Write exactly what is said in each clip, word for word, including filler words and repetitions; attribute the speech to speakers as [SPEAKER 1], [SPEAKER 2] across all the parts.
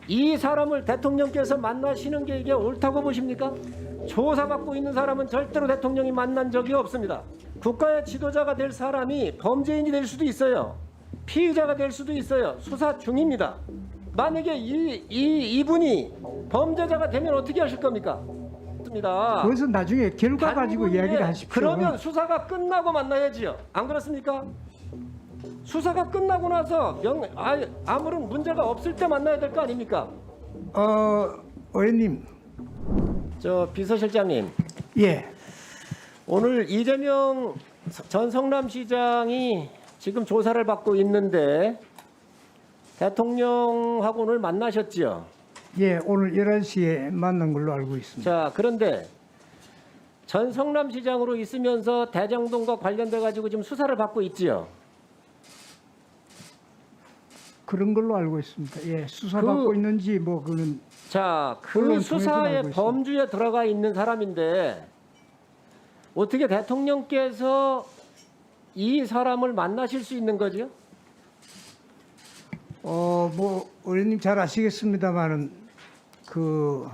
[SPEAKER 1] 이 사람을 대통령께서 만나시는 게 이게 옳다고 보십니까? 조사받고 있는 사람은 절대로 대통령이 만난 적이 없습니다. 국가의 지도자가 될 사람이 범죄인이 될 수도 있어요. 피의자가 될 수도 있어요. 수사 중입니다. 만약에 이, 이, 이분이 범죄자가 되면 어떻게 하실 겁니까? 습니다.
[SPEAKER 2] 그것은 나중에 결과 가지고
[SPEAKER 1] 단군에
[SPEAKER 2] 이야기를 하십시오.
[SPEAKER 1] 그러면 수사가 끝나고 만나야지요. 안 그렇습니까? 수사가 끝나고 나서 명, 아, 아무런 문제가 없을 때 만나야 될 거 아닙니까?
[SPEAKER 2] 어, 의원님.
[SPEAKER 1] 저 비서실장님.
[SPEAKER 2] 예.
[SPEAKER 1] 오늘 이재명 전 성남시장이 지금 조사를 받고 있는데 대통령하고 오늘 만나셨지요?
[SPEAKER 2] 예, 오늘 열한 시에 만난 걸로 알고 있습니다.
[SPEAKER 1] 자, 그런데 전 성남시장으로 있으면서 대장동과 관련돼 가지고 지금 수사를 받고 있지요?
[SPEAKER 2] 그런 걸로 알고 있습니다. 예, 수사받고
[SPEAKER 1] 그-
[SPEAKER 2] 있는지 뭐 그는
[SPEAKER 1] 자, 그
[SPEAKER 2] 언론 통해서
[SPEAKER 1] 수사의
[SPEAKER 2] 알고 있습니다.
[SPEAKER 1] 범주에 들어가 있는 사람인데 어떻게 대통령께서 이 사람을 만나실 수 있는 거죠?
[SPEAKER 2] 어, 뭐 의원님 잘 아시겠습니다만은 그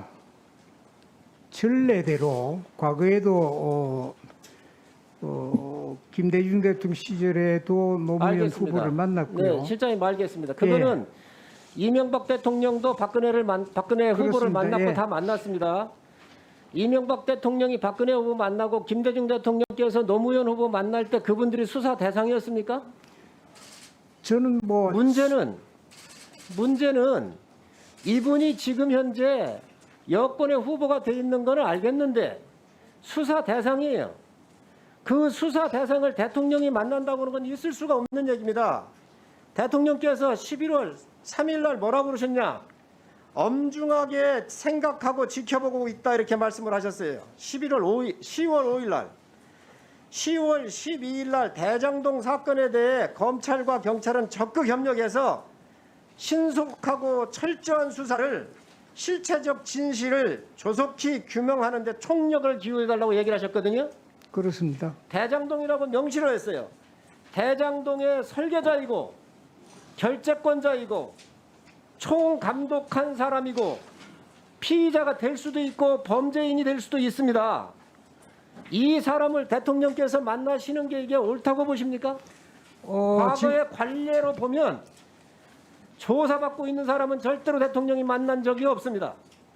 [SPEAKER 2] 전례대로 과거에도 어, 어, 김대중 대통령 시절에도 노무현
[SPEAKER 1] 알겠습니다.
[SPEAKER 2] 후보를 만났고요.
[SPEAKER 1] 네, 실장님 알겠습니다. 그거는 이명박 대통령도 박근혜를 만, 박근혜 후보를
[SPEAKER 2] 그렇습니다.
[SPEAKER 1] 만났고
[SPEAKER 2] 예.
[SPEAKER 1] 다 만났습니다. 이명박 대통령이 박근혜 후보 만나고 김대중 대통령께서 노무현 후보 만날 때 그분들이 수사 대상이었습니까?
[SPEAKER 2] 저는 뭐
[SPEAKER 1] 문제는 문제는 이분이 지금 현재 여권의 후보가 돼 있는 거는 알겠는데 수사 대상이에요. 그 수사 대상을 대통령이 만난다고 하는 건 있을 수가 없는 얘기입니다. 대통령께서 십일월 삼일 날 뭐라고 그러셨냐? 엄중하게 생각하고 지켜보고 있다 이렇게 말씀을 하셨어요. 십일월 오일, 시월 오일 날. 시월 십이일 날 대장동 사건에 대해 검찰과 경찰은 적극 협력해서 신속하고 철저한 수사를 실체적 진실을 조속히 규명하는 데 총력을 기울여달라고 얘기를 하셨거든요.
[SPEAKER 2] 그렇습니다.
[SPEAKER 1] 대장동이라고 명시를 했어요. 대장동의 설계자이고 결재권자이고 총감독한 사람이고 피의자가 될 수도 있고 범죄인이 될 수도 있습니다. 이 사람을 대통령께서 만나시는 게 이게 옳다고 보십니까?
[SPEAKER 2] 어,
[SPEAKER 1] 과거의 관례로 보면 조사받고 있는 사람은 절대로 대통령이 만난 적이 없습니다.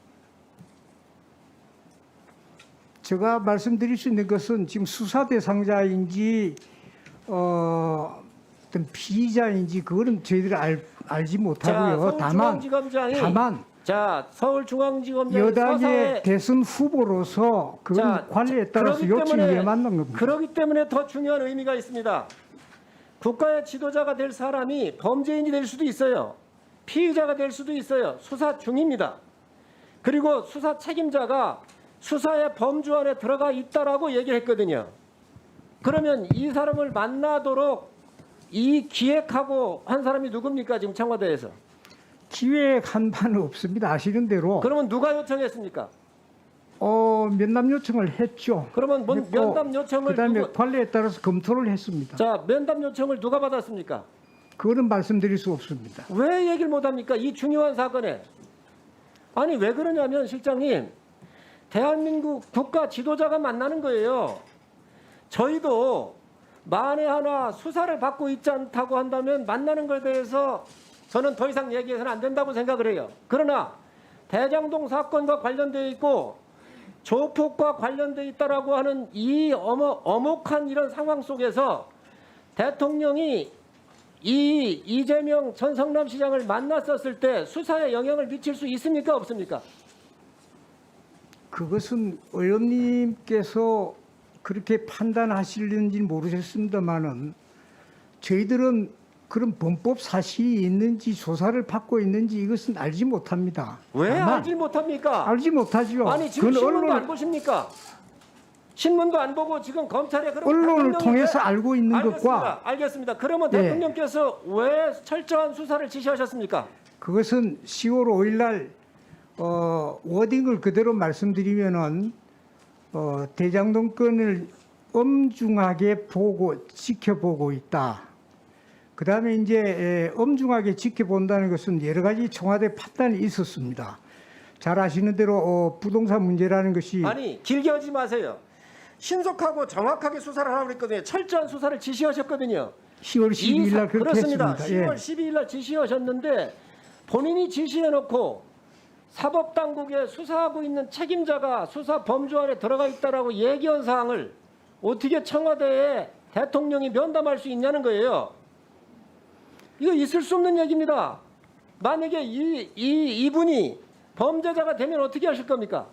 [SPEAKER 2] 제가 말씀드릴 수 있는 것은 지금 수사 대상자인지 어, 어떤 피의자인지 그거는 저희들이 알, 알지 못하고요.
[SPEAKER 1] 자,
[SPEAKER 2] 다만
[SPEAKER 1] 서울중앙지검장이
[SPEAKER 2] 다만
[SPEAKER 1] 자 서울중앙지검장이
[SPEAKER 2] 여당의
[SPEAKER 1] 서사에
[SPEAKER 2] 대선 후보로서 그건
[SPEAKER 1] 자,
[SPEAKER 2] 관리에 따라서
[SPEAKER 1] 그러기
[SPEAKER 2] 요청이
[SPEAKER 1] 때문에-
[SPEAKER 2] 에 맞는 겁니다.
[SPEAKER 1] 그렇기 때문에 더 중요한 의미가 있습니다. 국가의 지도자가 될 사람이 범죄인이 될 수도 있어요. 피의자가 될 수도 있어요. 수사 중입니다. 그리고 수사 책임자가 수사의 범주 안에 들어가 있다라고 얘기했거든요. 그러면 이 사람을 만나도록 이 기획하고 한 사람이 누굽니까? 지금 청와대에서.
[SPEAKER 2] 기획한 바는 없습니다. 아시는 대로
[SPEAKER 1] 그러면 누가 요청했습니까?
[SPEAKER 2] 어, 면담 요청을 했죠.
[SPEAKER 1] 그러면 뭔
[SPEAKER 2] 했고,
[SPEAKER 1] 면담 요청을
[SPEAKER 2] 그다음에
[SPEAKER 1] 누구,
[SPEAKER 2] 관리에 따라서 검토를 했습니다.
[SPEAKER 1] 자 면담 요청을 누가 받았습니까?
[SPEAKER 2] 그거는 말씀드릴 수 없습니다.
[SPEAKER 1] 왜 얘기를 못합니까? 이 중요한 사건에. 아니 왜 그러냐면 실장님, 대한민국 국가 지도자가 만나는 거예요. 저희도 만에 하나 수사를 받고 있지 않다고 한다면 만나는 것에 대해서 저는 더 이상 얘기해서는 안 된다고 생각을 해요. 그러나 대장동 사건과 관련되어 있고 조폭과 관련되어 있다라고 하는 이 어머, 어목한 이런 상황 속에서 대통령이 이 이재명 전 성남시장을 만났었을 때 수사에 영향을 미칠 수 있습니까? 없습니까?
[SPEAKER 2] 그것은 의원님께서 그렇게 판단하시는지 모르겠습니다만은 저희들은 그런 범법 사실이 있는지 조사를 받고 있는지 이것은 알지 못합니다.
[SPEAKER 1] 왜
[SPEAKER 2] 다만
[SPEAKER 1] 알지 못합니까?
[SPEAKER 2] 알지 못하죠.
[SPEAKER 1] 아니 지금
[SPEAKER 2] 그건
[SPEAKER 1] 신문도
[SPEAKER 2] 언론,
[SPEAKER 1] 안 보십니까? 신문도 안 보고 지금 검찰에 그럼
[SPEAKER 2] 언론을
[SPEAKER 1] 대통령이
[SPEAKER 2] 통해서
[SPEAKER 1] 왜-
[SPEAKER 2] 알고 있는
[SPEAKER 1] 알겠습니다.
[SPEAKER 2] 것과
[SPEAKER 1] 알겠습니다. 그러면
[SPEAKER 2] 예.
[SPEAKER 1] 대통령께서 왜 철저한 수사를 지시하셨습니까?
[SPEAKER 2] 그것은 시월 오일 날 어, 워딩을 그대로 말씀드리면은 어, 대장동 건을 엄중하게 보고 지켜보고 있다. 그다음에 이제 에, 엄중하게 지켜본다는 것은 여러 가지 청와대 판단이 있었습니다. 잘 아시는 대로 어, 부동산 문제라는 것이
[SPEAKER 1] 아니 길게 하지 마세요. 신속하고 정확하게 수사를 하라고 그랬거든요. 철저한 수사를 지시하셨거든요.
[SPEAKER 2] 시월 십이일 날 그렇게
[SPEAKER 1] 그렇습니다.
[SPEAKER 2] 했습니다.
[SPEAKER 1] 시월
[SPEAKER 2] 예.
[SPEAKER 1] 십이일 날 지시하셨는데 본인이 지시해놓고 사법당국에 수사하고 있는 책임자가 수사 범주 안에 들어가 있다라고 얘기한 사항을 어떻게 청와대에 대통령이 면담할 수 있냐는 거예요. 이거 있을 수 없는 얘기입니다. 만약에 이, 이, 이분이 범죄자가 되면 어떻게 하실 겁니까?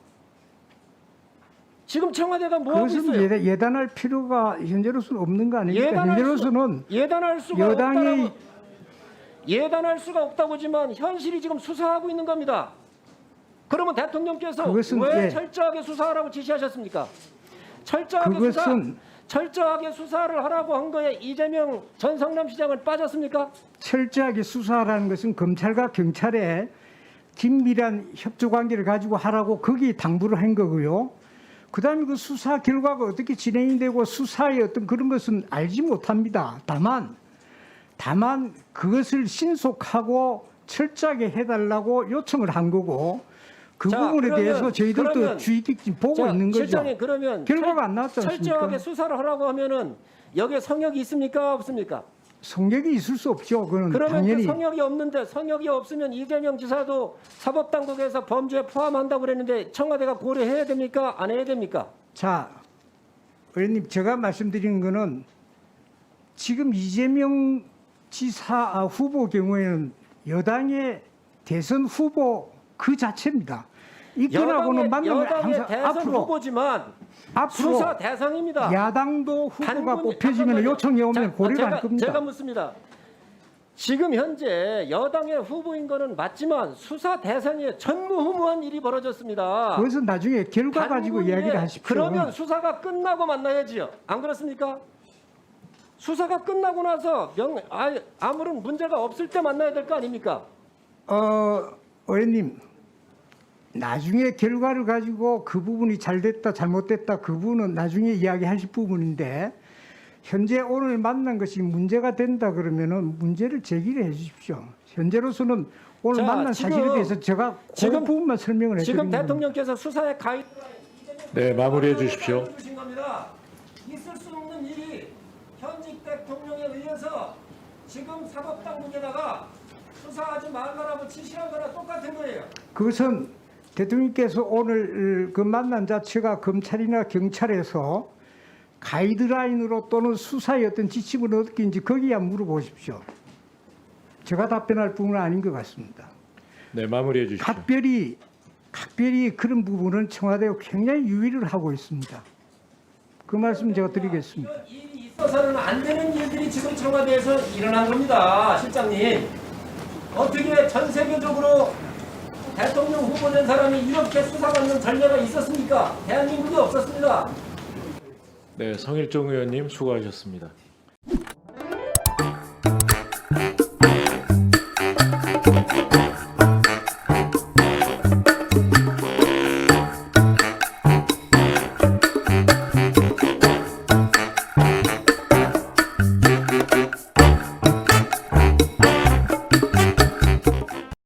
[SPEAKER 1] 지금 청와대가 뭐 하고
[SPEAKER 2] 그것은
[SPEAKER 1] 있어요?
[SPEAKER 2] 예단, 예단할 필요가 현재로서는 없는 거 아닙니까?
[SPEAKER 1] 예단할
[SPEAKER 2] 현재로서는
[SPEAKER 1] 수, 예단할 수가
[SPEAKER 2] 여당이
[SPEAKER 1] 없다고 예단할 수가 없다고지만 현실이 지금 수사하고 있는 겁니다. 그러면 대통령께서
[SPEAKER 2] 그것은
[SPEAKER 1] 왜
[SPEAKER 2] 예.
[SPEAKER 1] 철저하게 수사하라고 지시하셨습니까? 철저하게
[SPEAKER 2] 그것은
[SPEAKER 1] 수사 철저하게 수사를 하라고 한 거에 이재명 전 성남시장은 빠졌습니까?
[SPEAKER 2] 철저하게 수사하라는 것은 검찰과 경찰의 긴밀한 협조 관계를 가지고 하라고 거기에 당부를 한 거고요. 그다음에 그 수사 결과가 어떻게 진행이 되고 수사의 어떤 그런 것은 알지 못합니다. 다만 다만 그것을 신속하고 철저하게 해달라고 요청을 한 거고 그
[SPEAKER 1] 자,
[SPEAKER 2] 부분에
[SPEAKER 1] 그러면-
[SPEAKER 2] 대해서 저희들도
[SPEAKER 1] 그러면-
[SPEAKER 2] 주의 깊게 보고
[SPEAKER 1] 자,
[SPEAKER 2] 있는 거죠.
[SPEAKER 1] 실장님 그러면
[SPEAKER 2] 결과가 안 나왔지 않습니까?
[SPEAKER 1] 철저하게 수사를 하라고 하면은 여기에 성역이 있습니까? 없습니까?
[SPEAKER 2] 성격이 있을 수 없죠. 그건
[SPEAKER 1] 그러면
[SPEAKER 2] 당연히
[SPEAKER 1] 그 성역이 없는데 성역이 없으면 이재명 지사도 사법당국에서 범죄에 포함한다고 그랬는데 청와대가 고려해야 됩니까? 안 해야 됩니까?
[SPEAKER 2] 자, 의원님 제가 말씀드린 거는 지금 이재명 지사 아, 후보 경우에는 여당의 대선 후보 그 자체입니다. 이건하고는 만나면
[SPEAKER 1] 여당의
[SPEAKER 2] 항상
[SPEAKER 1] 대선
[SPEAKER 2] 앞으로
[SPEAKER 1] 후보지만
[SPEAKER 2] 앞으로
[SPEAKER 1] 수사 대상입니다.
[SPEAKER 2] 야당도 후보가
[SPEAKER 1] 단군-
[SPEAKER 2] 뽑혀지면
[SPEAKER 1] 잠깐만요.
[SPEAKER 2] 요청이 오면
[SPEAKER 1] 자,
[SPEAKER 2] 고려를
[SPEAKER 1] 제가,
[SPEAKER 2] 할 겁니다.
[SPEAKER 1] 제가 묻습니다. 지금 현재 여당의 후보인 거는 맞지만 수사 대상에 전무후무한 일이 벌어졌습니다.
[SPEAKER 2] 그것은 나중에 결과 가지고
[SPEAKER 1] 단군에
[SPEAKER 2] 이야기를 하십시오.
[SPEAKER 1] 그러면 수사가 끝나고 만나야지요. 안 그렇습니까? 수사가 끝나고 나서 명, 아, 아무런 문제가 없을 때 만나야 될 거 아닙니까?
[SPEAKER 2] 어, 의원님 나중에 결과를 가지고 그 부분이 잘 됐다 잘못됐다 그 부분은 나중에 이야기하실 부분인데 현재 오늘 만난 것이 문제가 된다 그러면은 문제를 제기를 해 주십시오. 현재로서는 오늘
[SPEAKER 1] 자,
[SPEAKER 2] 만난
[SPEAKER 1] 지금-
[SPEAKER 2] 사실에 대해서 제가 그
[SPEAKER 1] 지금-
[SPEAKER 2] 부분만 설명을
[SPEAKER 1] 지금
[SPEAKER 2] 해드리는 겁니다.
[SPEAKER 1] 대통령께서 수사에 가입
[SPEAKER 3] 네, 마무리해 주십시오.
[SPEAKER 1] 주신 겁니다. 있을 수 없는 일이 현직 대통령에 의해서 지금 사법당국에다가 수사하지 말라라고 지시한 거나 똑같은 거예요.
[SPEAKER 2] 그것은 대통령께서 오늘 그 만난 자체가 검찰이나 경찰에서 가이드라인으로 또는 수사의 어떤 지침을 어떻게 인지 거기야 물어보십시오. 제가 답변할 부분은 아닌 것 같습니다.
[SPEAKER 3] 네, 마무리해 주십시오.
[SPEAKER 2] 각별히 각별히 그런 부분은 청와대가 굉장히 유의를 하고 있습니다. 그 말씀 제가 드리겠습니다.
[SPEAKER 1] 이런 일이 있어서는 안 되는 일들이 지금 청와대에서 일어난 겁니다, 실장님. 어떻게 전 세계적으로 대통령 후보된 사람이 이렇게 수사받는 전례가 있었습니까? 대한민국에 없었습니다.
[SPEAKER 3] 네, 성일종 의원님 수고하셨습니다.